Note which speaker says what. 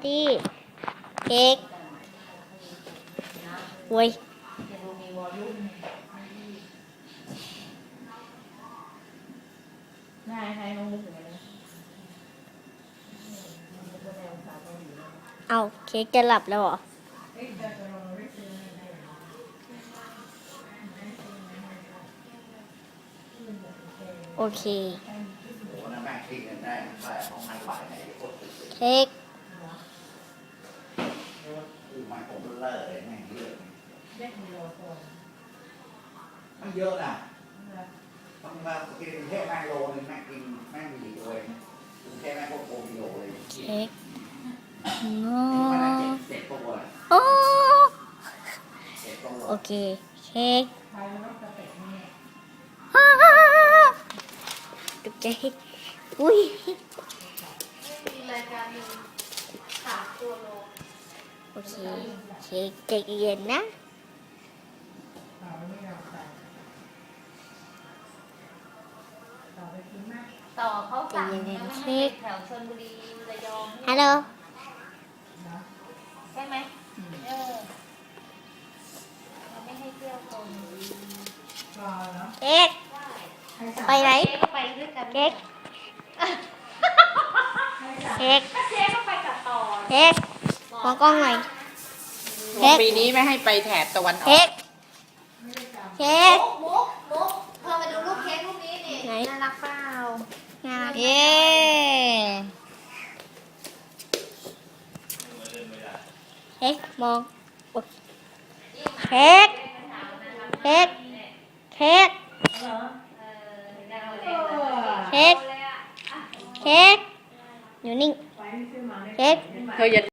Speaker 1: ดีเค้กโว้ยเอาเค้กจะหลับแล้วเหรอโอเคเค้ก
Speaker 2: มันเยอะนะบางวันกินแค่แม่โลนึงแม่กินแม่มีเลยแค่แม่พวกโอมิโลเลย
Speaker 1: เค้กงอ
Speaker 2: เจ็ดตัว
Speaker 1: โอ้โอเคเค้กตกใจอุ้ยโอเคเค้กใจเย็นนะ
Speaker 3: ต่อเขาสั่งไม่ให้แถวชลบุรีระยอง
Speaker 1: ฮัลโหล
Speaker 3: ใช่ไหมเราไม่ให้เที่ยวชลบุรี
Speaker 1: เค้กไปไหน
Speaker 3: ก็ไปด้วยกัน
Speaker 1: เค้กเค้ก
Speaker 3: เจ๊ก็ไปกับต่อ
Speaker 1: เค้กมองกล้องหน่อยเค้ก
Speaker 4: ปีนี้ไม่ให้ไปแถบตะวันออ
Speaker 1: เค้
Speaker 4: ก
Speaker 1: กเค้ก
Speaker 3: มุกเธอมาดูรูปเค้กรูปนี้นี่
Speaker 1: ไหน
Speaker 3: น่ารักเปล่า
Speaker 1: น่ารัก
Speaker 4: เย้
Speaker 1: เค้กมองเค้กเค้กเค้กเค้กเค้กอยู่นิ่งเค้ก
Speaker 4: เธออย่า